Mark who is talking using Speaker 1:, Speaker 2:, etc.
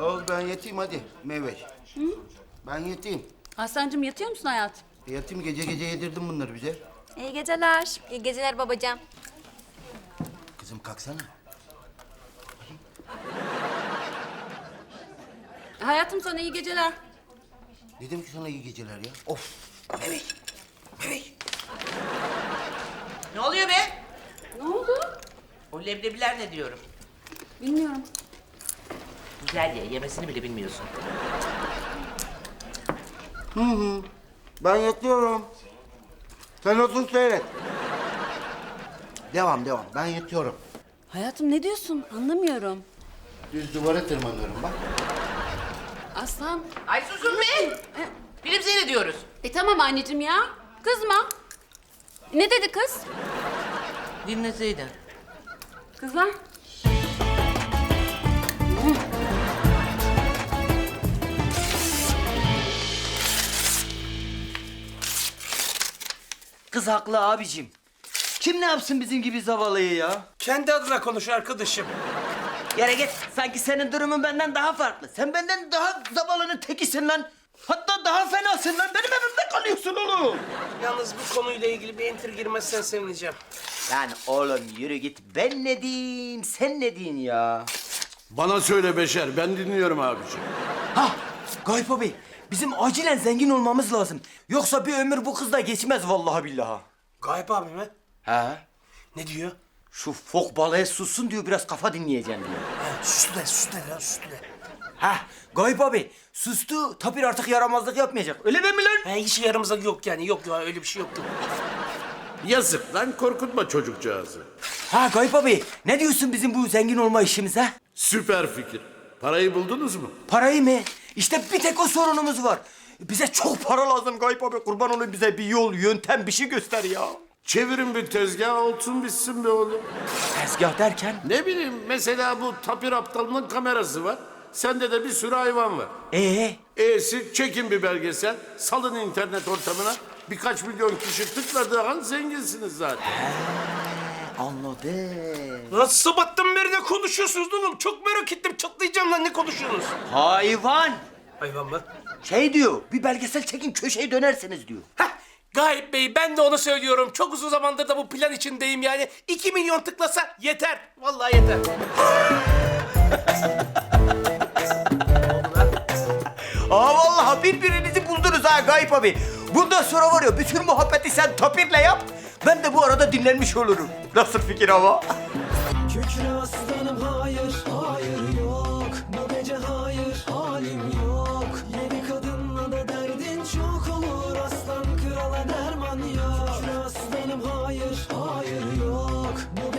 Speaker 1: Oğlum ben yatayım hadi Meyveş. Ben yatayım.
Speaker 2: Aslancığım yatıyor musun hayatım?
Speaker 1: Yatayım, gece gece yedirdim bunları bize.
Speaker 3: İyi geceler.
Speaker 4: İyi geceler babacığım.
Speaker 1: Kızım kalksana.
Speaker 2: Hayatım sana iyi geceler.
Speaker 1: Dedim ki sana iyi geceler ya. Of. Meyveş. Meyveş.
Speaker 5: Ne oluyor be?
Speaker 2: Ne oldu?
Speaker 5: O leblebiler ne diyorum?
Speaker 2: Bilmiyorum.
Speaker 5: Güzel ye, yemesini bile bilmiyorsun.
Speaker 1: Ben yatıyorum. Sen otur seyret. Devam. Ben yatıyorum.
Speaker 2: Hayatım ne diyorsun? Anlamıyorum.
Speaker 1: Düz duvara tırmanıyorum bak.
Speaker 2: Aslan.
Speaker 5: Ay susun be! Film seyrediyoruz.
Speaker 2: Tamam anneciğim ya. Kızma. Ne dedi kız?
Speaker 5: Dinleseydin.
Speaker 2: Kızlar.
Speaker 6: Kız haklı abicim. Kim ne yapsın bizim gibi zavallıyı ya?
Speaker 7: Kendi adına konuş arkadaşım.
Speaker 6: Yere git. Sanki senin durumun benden daha farklı. Sen benden daha zavallının tekisin lan. Hatta daha fenasın lan. Benim evimde kalıyorsun oğlum.
Speaker 7: Yalnız bu konuyla ilgili bir enter girmezsen sevineceğim.
Speaker 6: Lan oğlum yürü git. Ben ne diyeyim, sen ne diyorsun ya?
Speaker 8: Bana söyle Beşer, ben dinliyorum abiciğim.
Speaker 6: Hah, Gayip abi. Bizim acilen zengin olmamız lazım. Yoksa bir ömür bu kızla geçmez vallahi billahi.
Speaker 7: Gayip abi mi?
Speaker 6: He?
Speaker 7: Ne diyor?
Speaker 6: Şu fok balığı sussun diyor, biraz kafa dinleyeceğim diyor.
Speaker 7: Ha, sustu de lan sustu de.
Speaker 6: Hah, Gayip abi. Sustu, Tapir artık yaramazlık yapmayacak. Öyle mi lan?
Speaker 7: Ha, hiç yaramızda yok yani yok ya öyle bir şey yoktu.
Speaker 8: Yazık lan, korkutma çocukcağızı.
Speaker 6: Ha Gayip abi, ne diyorsun bizim bu zengin olma işimize?
Speaker 8: Süper fikir. Parayı buldunuz mu?
Speaker 6: Parayı mı? İşte bir tek o sorunumuz var. Bize çok para lazım Gayip abi. Kurban olayım, bize bir yol, yöntem, bir şey göster ya.
Speaker 8: Çevirin bir tezgah, olsun bitsin be oğlum.
Speaker 6: Tezgah derken?
Speaker 8: Ne bileyim, mesela bu Tapir Aptalı'nın kamerası var. Sende de bir sürü hayvan var. E'si çekin bir belgesel, salın internet ortamına. Birkaç milyon kişi tıkladığı an zenginsiniz zaten.
Speaker 6: Anladım.
Speaker 7: Lan sabahtan beri ne konuşuyorsunuz oğlum? Çok merak ettim çatlayacağım lan ne konuşuyorsunuz?
Speaker 6: Hayvan.
Speaker 7: Hayvan mı?
Speaker 6: Şey diyor, bir belgesel çekin köşeyi dönersiniz diyor.
Speaker 7: Heh, Gayip Bey ben de onu söylüyorum. Çok uzun zamandır da bu plan içindeyim yani. 2 milyon tıklasa yeter. Vallahi yeter.
Speaker 6: Aa vallahi birbirinizi buldunuz ha Gayip abi. Bundan sonra var ya, bütün muhabbeti sen Tapir'le yap. Ben de bu arada dinlenmiş olurum. Nasıl fikir ama?
Speaker 9: Kükre aslanım hayır, hayır yok. Bu gece hayır, halim yok. Yedi kadınla da derdin çok olur. Aslan krala derman yok. Kükre aslanım hayır, hayır yok. Bu